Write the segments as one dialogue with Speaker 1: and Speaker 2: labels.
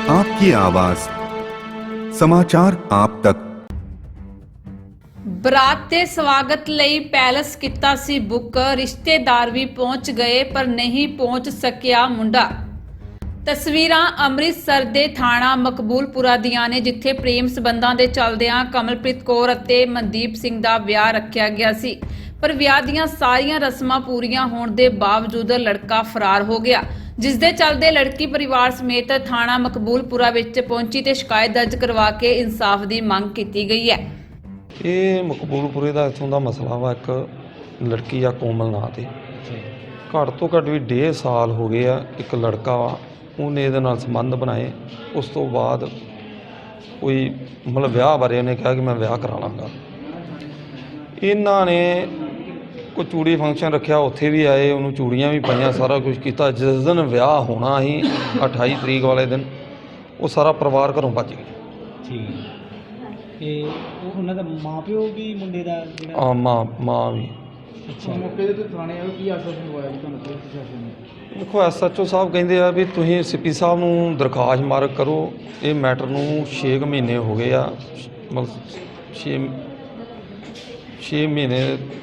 Speaker 1: आपकी आवाज समाचार आप तक।
Speaker 2: ਬਰਾਤ ਦੇ ਸਵਾਗਤ ਲਈ ਪੈਲਸ ਕੀਤਾ ਸੀ ਬੁੱਕ। ਰਿਸ਼ਤੇਦਾਰ ਵੀ ਪਹੁੰਚ ਗਏ ਪਰ ਨਹੀਂ ਪਹੁੰਚ ਸਕਿਆ ਮੁੰਡਾ। ਤਸਵੀਰਾਂ ਅੰਮ੍ਰਿਤਸਰ ਦੇ ਥਾਣਾ ਮਕਬੂਲਪੁਰਾ ਦੀਆਂ ਨੇ, ਜਿੱਥੇ ਪ੍ਰੇਮ ਸਬੰਧਾਂ ਦੇ ਚੱਲਦਿਆਂ ਕਮਲਪ੍ਰੀਤ ਕੌਰ ਅਤੇ ਮਨਦੀਪ ਸਿੰਘ ਦਾ ਵਿਆਹ ਰੱਖਿਆ ਗਿਆ ਸੀ, ਪਰ ਵਿਆਹ ਦੀਆਂ ਸਾਰੀਆਂ ਰਸਮਾਂ ਪੂਰੀਆਂ ਹੋਣ ਦੇ ਬਾਵਜੂਦ ਲੜਕਾ ਫਰਾਰ ਹੋ ਗਿਆ, ਜਿਸ ਦੇ ਚੱਲਦੇ ਲੜਕੀ ਪਰਿਵਾਰ ਸਮੇਤ ਥਾਣਾ ਮਕਬੂਲਪੁਰਾ ਵਿੱਚ ਪਹੁੰਚੀ ਤੇ ਸ਼ਿਕਾਇਤ ਦਰਜ ਕਰਵਾ ਕੇ ਇਨਸਾਫ ਦੀ ਮੰਗ ਕੀਤੀ ਗਈ ਹੈ।
Speaker 3: ਇਹ ਮਕਬੂਲਪੁਰੇ ਦਾ ਇੱਥੋਂ ਦਾ ਮਸਲਾ ਵਾ। ਇੱਕ ਲੜਕੀ ਆ ਕੋਮਲ ਨਾਂ 'ਤੇ, ਘੱਟ ਤੋਂ ਘੱਟ ਵੀ 1.5 ਸਾਲ ਹੋ ਗਏ ਆ। ਇੱਕ ਲੜਕਾ ਵਾ, ਉਹਨੇ ਇਹਦੇ ਨਾਲ ਸੰਬੰਧ ਬਣਾਏ। ਉਸ ਤੋਂ ਬਾਅਦ ਕੋਈ ਮਤਲਬ ਵਿਆਹ ਬਾਰੇ ਉਹਨੇ ਕਿਹਾ ਕਿ ਮੈਂ ਵਿਆਹ ਕਰਾ ਲਾਂਗਾ। ਇਹਨਾਂ ਨੇ ਕੋਈ ਚੂੜੀ ਫੰਕਸ਼ਨ ਰੱਖਿਆ, ਉੱਥੇ ਵੀ ਆਏ, ਉਹਨੂੰ ਚੂੜੀਆਂ ਵੀ ਪਾਈਆਂ, ਸਾਰਾ ਕੁਝ ਕੀਤਾ। ਜਿਸ ਦਿਨ ਵਿਆਹ ਹੋਣਾ ਸੀ 28 ਤਰੀਕ ਵਾਲੇ ਦਿਨ, ਉਹ ਸਾਰਾ ਪਰਿਵਾਰ ਘਰੋਂ ਭੱਜ ਗਿਆ।
Speaker 4: ਠੀਕ ਤੇ ਉਹ ਉਹਨਾਂ ਦਾ ਮਾਂ ਪਿਓ ਵੀ ਮੁੰਡੇ ਦਾ ਜਿਹੜਾ
Speaker 3: ਮਾਂ ਵੀ।
Speaker 4: ਅੱਛਾ, ਮੌਕੇ ਤੇ ਥਾਣੇ ਆਏ, ਕੀ ਆਸ਼ਵਾਸਨ ਹੋਇਆ ਜੀ ਤੁਹਾਨੂੰ ਪੁਲਿਸ ਪ੍ਰਸ਼ਾਸਨ ਨੇ?
Speaker 3: ਦੇਖੋ SHO ਸਾਹਿਬ ਕਹਿੰਦੇ ਆ ਵੀ ਤੁਸੀਂ CP ਸਾਹਿਬ ਨੂੰ ਦਰਖਾਸਤ ਮਾਰਕ ਕਰੋ। ਇਹ ਮੈਟਰ ਨੂੰ 6 ਮਹੀਨੇ ਹੋ ਗਏ ਆ, ਮਤਲਬ 6 ਮਹੀਨੇ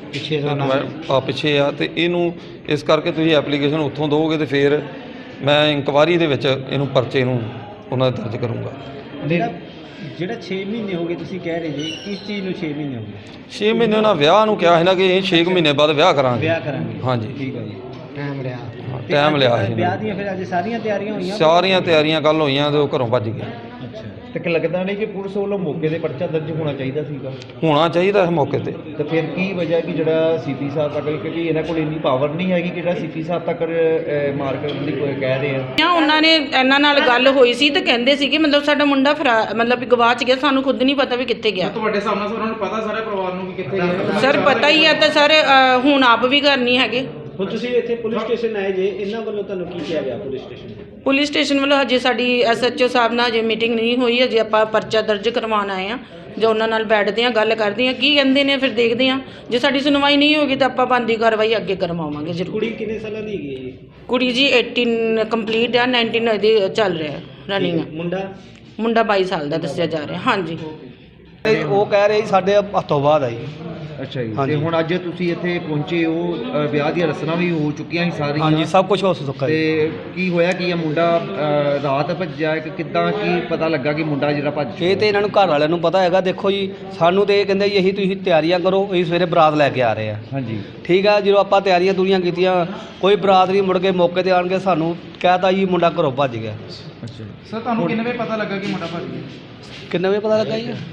Speaker 3: ਪਿੱਛੇ ਆ, ਤੇ ਇਹਨੂੰ ਇਸ ਕਰਕੇ ਤੁਸੀਂ ਐਪਲੀਕੇਸ਼ਨ ਉੱਥੋਂ ਦਿਓਗੇ ਤੇ ਫਿਰ ਮੈਂ ਇਨਕੁਆਇਰੀ ਦੇ ਵਿੱਚ ਇਹਨੂੰ ਪਰਚੇ ਨੂੰ ਉਹਨਾਂ ਦਾ ਦਰਜ ਕਰੂੰਗਾ।
Speaker 4: ਜਿਹੜਾ 6 ਮਹੀਨੇ ਹੋ ਗਏ ਤੁਸੀਂ ਕਹਿ ਰਹੇ ਜੀ, ਕਿਸ ਚੀਜ਼ ਨੂੰ 6 ਮਹੀਨੇ ਹੋ ਗਏ?
Speaker 3: 6 ਮਹੀਨੇ ਉਹਨਾਂ ਵਿਆਹ ਨੂੰ ਕਿਹਾ ਸੀ ਨਾ ਕਿ ਇਹ 6 ਮਹੀਨੇ ਬਾਅਦ ਵਿਆਹ ਕਰਾਂਗੇ। ਹਾਂਜੀ,
Speaker 4: ਠੀਕ ਹੈ ਜੀ। ਟਾਈਮ ਲਿਆ
Speaker 3: ਸੀ।
Speaker 4: ਵਿਆਹ ਦੀਆਂ ਫਿਰ ਅੱਜ ਸਾਰੀਆਂ ਤਿਆਰੀਆਂ ਹੋਈਆਂ?
Speaker 3: ਸਾਰੀਆਂ ਤਿਆਰੀਆਂ ਕੱਲ ਹੋਈਆਂ ਤੇ ਉਹ ਘਰੋਂ ਭੱਜ ਗਿਆ।
Speaker 4: ਅੱਛਾ, ਤੇ ਲੱਗਦਾ ਨਹੀਂ ਕਿ ਪੁਲਿਸ ਵੱਲੋਂ ਮੌਕੇ ਤੇ ਪਰਚਾ ਦਰਜ ਹੋਣਾ ਚਾਹੀਦਾ ਸੀਗਾ?
Speaker 3: ਹੋਣਾ ਚਾਹੀਦਾ ਇਸ ਮੌਕੇ ਤੇ।
Speaker 5: ਤਾਂ ਫਿਰ ਕੀ ਵਜ੍ਹਾ ਕਿ ਜਿਹੜਾ CP ਸਾਹਿਬ ਤੱਕ, ਕਿਉਂਕਿ ਇਹਨਾਂ ਕੋਲ ਇੰਨੀ ਪਾਵਰ ਨਹੀਂ ਹੈਗੀ ਕਿ ਜਿਹੜਾ CP ਸਾਹਿਬ ਤੱਕ ਮਾਰ ਕਰਨ ਦੀ ਕੋਈ ਕਹਿ ਰਹੇ ਆ।
Speaker 6: ਉਹਨਾਂ ਨੇ ਇਹਨਾਂ ਨਾਲ ਗੱਲ ਹੋਈ ਸੀ ਤੇ ਕਹਿੰਦੇ ਸੀ ਕਿ ਮਤਲਬ ਸਾਡਾ ਮੁੰਡਾ ਮਤਲਬ ਵੀ ਗਵਾਚ ਗਿਆ, ਸਾਨੂੰ ਖੁਦ ਨਹੀਂ ਪਤਾ ਵੀ ਕਿੱਥੇ ਗਿਆ।
Speaker 7: ਤੁਹਾਡੇ ਸਾਹਮਣੇ ਉਹਨਾਂ ਨੂੰ ਪਤਾ ਸਾਰੇ ਪਰਿਵਾਰ ਨੂੰ ਕਿ ਕਿੱਥੇ ਗਿਆ?
Speaker 6: ਸਰ ਪਤਾ ਹੀ ਹੈ, ਤਾਂ ਸਰ ਹੁਣ ਆਪ ਵੀ ਘਰ ਨਹੀਂ ਹੈਗੇ।
Speaker 4: ਹੁਣ ਤੁਸੀਂ ਇੱਥੇ ਪੁਲਿਸ ਸਟੇਸ਼ਨ ਆਏ ਜੇ, ਇਹਨਾਂ ਵੱਲੋਂ ਤੁਹਾਨੂੰ ਕੀ ਕਿਹਾ ਗਿਆ ਪੁਲਿਸ ਸਟੇਸ਼ਨ?
Speaker 6: ਪੁਲਿਸ ਸਟੇਸ਼ਨ ਵੱਲੋਂ ਹਜੇ ਸਾਡੀ SHO ਸਾਹਿਬ ਨਾਲ ਹਜੇ ਮੀਟਿੰਗ ਨਹੀਂ ਹੋਈ, ਹਜੇ ਆਪਾਂ ਪਰਚਾ ਦਰਜ ਕਰਵਾਉਣ ਆਏ ਹਾਂ। ਜੋ ਉਹਨਾਂ ਨਾਲ ਬੈਠਦੇ ਹਾਂ, ਗੱਲ ਕਰਦੇ ਹਾਂ, ਕੀ ਕਹਿੰਦੇ ਨੇ ਫਿਰ ਦੇਖਦੇ ਹਾਂ। ਜੇ ਸਾਡੀ ਸੁਣਵਾਈ ਨਹੀਂ ਹੋਗੀ ਤਾਂ ਆਪਾਂ ਬਣਦੀ ਕਾਰਵਾਈ ਅੱਗੇ ਕਰਵਾਵਾਂਗੇ ਜ਼ਰੂਰ।
Speaker 4: ਕੁੜੀ ਕਿੰਨੇ ਸਾਲਾਂ ਦੀ ਹੈਗੀ ਹੈ ਜੀ?
Speaker 6: ਕੁੜੀ ਜੀ 18 ਕੰਪਲੀਟ ਆ, 19 ਇਹਦੀ ਚੱਲ ਰਿਹਾ ਰਨਿੰਗ। ਮੁੰਡਾ 22 ਸਾਲ ਦਾ ਦੱਸਿਆ ਜਾ ਰਿਹਾ। ਹਾਂਜੀ,
Speaker 8: ਉਹ ਕਹਿ ਰਹੇ ਸਾਡੇ ਹੱਥੋਂ ਬਾਅਦ ਆਈ।
Speaker 5: ਅੱਛਾ ਜੀ। ਤੇ ਹੁਣ ਅੱਜ ਤੁਸੀਂ ਇੱਥੇ ਪਹੁੰਚੇ ਹੋ, ਵਿਆਹ ਦੀਆਂ ਰਸਮਾਂ ਵੀ ਹੋ ਚੁੱਕੀਆਂ ਸੀ ਸਾਰੀਆਂ?
Speaker 8: ਹਾਂਜੀ, ਸਭ ਕੁਝ ਹੋ ਚੁੱਕਾ।
Speaker 5: ਤੇ ਕੀ ਹੋਇਆ ਕਿ ਇਹ ਮੁੰਡਾ ਰਾਤ ਭੱਜਿਆ ਕਿ ਕਿੱਦਾਂ, ਕੀ ਪਤਾ ਲੱਗਾ ਕਿ ਮੁੰਡਾ ਜਿਹੜਾ ਭੱਜ ਚੁੱਕਾ?
Speaker 8: ਇਹ ਤੇ ਇਹਨਾਂ ਨੂੰ ਘਰ ਵਾਲਿਆਂ ਨੂੰ ਪਤਾ ਹੈਗਾ। ਦੇਖੋ ਜੀ, ਸਾਨੂੰ ਤੇ ਇਹ ਕਹਿੰਦੇ ਜੀ ਅਸੀਂ ਤੁਸੀਂ ਤਿਆਰੀਆਂ ਕਰੋ, ਅਸੀਂ ਸਵੇਰੇ ਬਰਾਤ ਲੈ ਕੇ ਆ ਰਹੇ ਆ।
Speaker 5: ਹਾਂਜੀ,
Speaker 8: ਠੀਕ ਆ। ਜਦੋਂ ਆਪਾਂ ਤਿਆਰੀਆਂ ਕੀਤੀਆਂ, ਕੋਈ ਬਰਾਤ ਨਹੀਂ, ਮੁੜ ਕੇ ਮੌਕੇ ਤੇ ਆਣ ਕੇ ਸਾਨੂੰ ਕਹਿਤਾ ਜੀ ਮੁੰਡਾ ਘਰੋਂ ਭੱਜ ਗਿਆ।
Speaker 5: ਅੱਛਾ।
Speaker 7: ਸਰ ਤੁਹਾਨੂੰ ਕਿੰਨੇ ਵਜੇ ਪਤਾ ਲੱਗਾ ਕਿ ਮੁੰਡਾ ਭੱਜ ਗਿਆ?
Speaker 8: ਕਿੰਨੇ ਵਜੇ ਪਤਾ ਲੱਗਾ ਜੀ?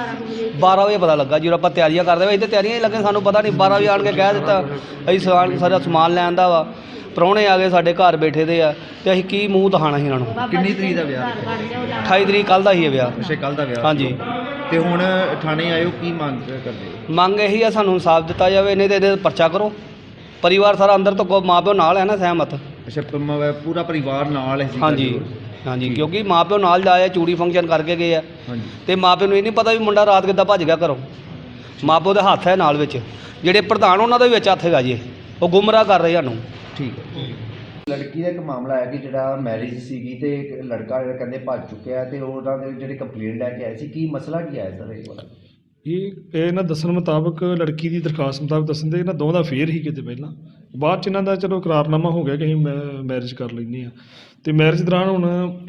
Speaker 8: 12 ਵਜੇ ਪਤਾ ਲੱਗਾ। ਜਦੋਂ ਆਪਾਂ ਤਿਆਰੀਆਂ ਕਰਦੇ ਹੋਏ, ਇਹ ਤੇ ਤਿਆਰੀਆਂ ਹੀ ਲੱਗੇ, ਸਾਨੂੰ ਪਤਾ ਨਹੀਂ। 12 ਵਜੇ ਆਣ ਕੇ ਕਹਿ ਦਿੱਤਾ ਅਸੀਂ ਸਾਰਾ ਸਮਾਨ ਲੈਣ ਦਾ ਵਾ। ਪ੍ਰਾਹੁਣੇ ਆ ਗਏ ਸਾਡੇ ਘਰ ਬੈਠੇ ਦੇ ਆ, ਤੇ ਅਸੀਂ ਕੀ ਮੂੰਹ ਦਿਖਾਣਾ ਸੀ ਇਹਨਾਂ ਨੂੰ।
Speaker 5: ਕਿੰਨੀ ਤਰੀਕ ਦਾ ਵਿਆਹ?
Speaker 8: 28 ਤਰੀਕ ਕੱਲ੍ਹ ਦਾ ਹੀ ਹੈ ਵਿਆਹ।
Speaker 5: ਅੱਛਾ, ਕੱਲ੍ਹ ਦਾ ਵਿਆਹ।
Speaker 8: ਹਾਂਜੀ।
Speaker 5: ਤੇ ਹੁਣ ਥਾਣੇ ਆਇਓ, ਕੀ ਮੰਗ ਕਰਦੇ?
Speaker 8: ਮੰਗ ਇਹੀ ਆ, ਸਾਨੂੰ ਇਨਸਾਫ ਦਿੱਤਾ ਜਾਵੇ, ਨਹੀਂ ਤੇ ਇਹਦੇ ਪਰਚਾ ਕਰੋ। ਪਰਿਵਾਰ ਸਾਰਾ ਅੰਦਰ ਤੋਂ ਮਾਂ ਪਿਓ ਨਾਲ ਹੈ ਨਾ, ਸਹਿਮਤ।
Speaker 5: ਅੱਛਾ, ਪੂਰਾ ਪਰਿਵਾਰ ਨਾਲ ਹੈ?
Speaker 8: ਹਾਂਜੀ, ਕਿਉਂਕਿ ਮਾਂ ਪਿਓ ਨਾਲ ਜਾਏ, ਚੂੜੀ ਫੰਕਸ਼ਨ ਕਰਕੇ ਗਏ ਆ।
Speaker 5: ਹਾਂਜੀ।
Speaker 8: ਤੇ ਮਾਂ ਪਿਓ ਨੂੰ ਇਹ ਨਹੀਂ ਪਤਾ ਵੀ ਮੁੰਡਾ ਰਾਤ ਕਿੱਦਾਂ ਭੱਜ ਗਿਆ ਘਰੋਂ। ਮਾਂ ਪਿਓ ਦੇ ਹੱਥ ਹੈ ਨਾਲ ਵਿੱਚ, ਜਿਹੜੇ ਪ੍ਰਧਾਨ ਉਹਨਾਂ ਦਾ ਵੀ ਵਿੱਚ ਹੱਥ ਹੈਗਾ ਜੀ। ਉਹ ਗੁੰਮਰਾਹ ਕਰ ਰਹੇ ਸਾਨੂੰ। ਠੀਕ ਹੈ।
Speaker 5: ਲੜਕੀ ਦਾ ਇੱਕ ਮਾਮਲਾ ਹੈ ਕਿ ਜਿਹੜਾ ਮੈਰਿਜ ਸੀਗੀ ਤੇ ਇੱਕ ਲੜਕਾ ਜਿਹੜਾ ਕਹਿੰਦੇ ਭੱਜ ਚੁੱਕਿਆ, ਤੇ ਉਹਨਾਂ ਦੇ ਜਿਹੜੇ ਕੰਪਲੇਂਟ ਲੈ ਕੇ ਆਏ ਸੀ, ਕੀ ਮਸਲਾ ਕੀ ਆਇਆ ਸਰ ਇਹ ਵਾਲਾ?
Speaker 9: ਇਹ ਇਹਨਾਂ ਦੱਸਣ ਮੁਤਾਬਕ, ਲੜਕੀ ਦੀ ਦਰਖਾਸਤ ਮੁਤਾਬਕ ਦੱਸਣ ਦੇ, ਇਹਨਾਂ ਦੋਵਾਂ ਦਾ ਫੇਰ ਹੀ ਕਿਤੇ ਪਹਿਲਾਂ, ਬਾਅਦ 'ਚ ਇਹਨਾਂ ਦਾ ਚਲੋ ਇਕਰਾਰਨਾਮਾ ਹੋ ਗਿਆ ਕਿ ਅਸੀਂ ਮੈਰਿਜ ਕਰ ਲੈਂਦੇ ਹਾਂ। ਅਤੇ ਮੈਰਿਜ ਦੌਰਾਨ ਹੁਣ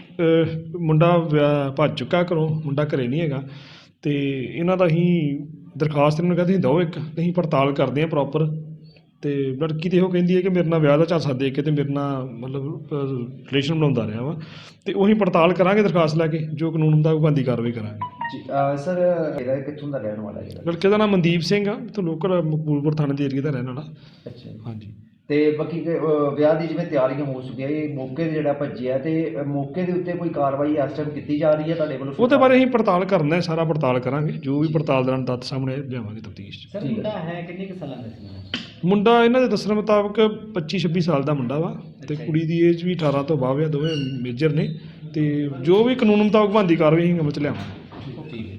Speaker 9: ਮੁੰਡਾ ਭੱਜ ਚੁੱਕਾ ਘਰੋਂ, ਮੁੰਡਾ ਘਰੇ ਨਹੀਂ ਹੈਗਾ। ਅਤੇ ਇਹਨਾਂ ਦਾ ਅਸੀਂ ਦਰਖਾਸਤ ਇਹਨਾਂ ਨੂੰ ਕਹਿੰਦੇ ਤੁਸੀਂ ਦਿਓ ਇੱਕ, ਅਸੀਂ ਪੜਤਾਲ ਕਰਦੇ ਹਾਂ ਪ੍ਰੋਪਰ। ਅਤੇ ਲੜਕੀ ਤਾਂ ਇਹੋ ਕਹਿੰਦੀ ਹੈ ਕਿ ਮੇਰੇ ਨਾਲ ਵਿਆਹ ਦਾ ਝਾਂਸਾ ਦੇ ਕੇ ਅਤੇ ਮੇਰੇ ਨਾਲ ਮਤਲਬ ਰਿਲੇਸ਼ਨ ਬਣਾਉਂਦਾ ਰਿਹਾ ਵਾ। ਅਤੇ ਉਹੀ ਪੜਤਾਲ ਕਰਾਂਗੇ ਦਰਖਾਸਤ ਲੈ ਕੇ, ਜੋ ਕਾਨੂੰਨ ਹੁੰਦਾ ਉਹ ਬਣਦੀ ਕਾਰਵਾਈ ਕਰਾਂਗੇ
Speaker 5: ਜੀ। ਸਰ ਇਹਦਾ ਕਿੱਥੋਂ ਦਾ ਰਹਿਣ ਵਾਲਾ ਜਿਹੜਾ?
Speaker 9: ਲੜਕੇ ਦਾ ਨਾਮ ਮਨਦੀਪ ਸਿੰਘ ਆ, ਇੱਥੋਂ ਲੋਕਲ ਮਕਬੂਲਪੁਰ ਥਾਣੇ ਦੇ ਏਰੀਏ ਦਾ ਰਹਿਣ ਵਾਲਾ।
Speaker 5: ਅੱਛਾ।
Speaker 9: ਹਾਂਜੀ।
Speaker 5: ਤੇ ਬਾਕੀ ਵਿਆਹ ਦੀ ਜਿਵੇਂ ਤਿਆਰੀਆਂ ਹੋ ਚੁੱਕੀਆਂ, ਇਹ ਮੌਕੇ 'ਤੇ ਜਿਹੜਾ ਭੱਜਿਆ, ਤੇ ਮੌਕੇ ਦੇ ਉੱਤੇ ਕੋਈ ਕਾਰਵਾਈ ਇਸ ਟਾਈਮ ਕੀਤੀ ਜਾ ਰਹੀ ਹੈ ਤੁਹਾਡੇ ਵੱਲੋਂ?
Speaker 9: ਉਹਦੇ ਬਾਰੇ ਅਸੀਂ ਪੜਤਾਲ ਕਰਨਾ ਹੈ, ਸਾਰਾ ਪੜਤਾਲ ਕਰਾਂਗੇ, ਜੋ ਵੀ ਪੜਤਾਲ ਦੌਰਾਨ ਤੱਥ ਸਾਹਮਣੇ ਲਿਆਵਾਂਗੇ ਤਫਤੀਸ਼ 'ਚ।
Speaker 4: ਸਰ ਮੁੰਡਾ ਹੈ ਕਿੰਨੇ ਕੁ ਸਾਲਾਂ ਦਾ ਸੀ?
Speaker 9: ਮੁੰਡਾ ਇਹਨਾਂ ਦੇ ਦੱਸਣ ਮੁਤਾਬਕ 25-26 ਸਾਲ ਦਾ ਮੁੰਡਾ ਵਾ, ਤੇ ਕੁੜੀ ਦੀ ਏਜ ਵੀ 18 ਤੋਂ ਬਾਅਦ ਆ, ਦੋਵੇਂ ਮੇਜਰ ਨੇ। ਤੇ ਜੋ ਵੀ ਕਾਨੂੰਨ ਮੁਤਾਬਕ ਬਣਦੀ ਕਾਰਵਾਈ ਅਸੀਂ ਅਮਲ 'ਚ ਲਿਆਵਾਂਗੇ।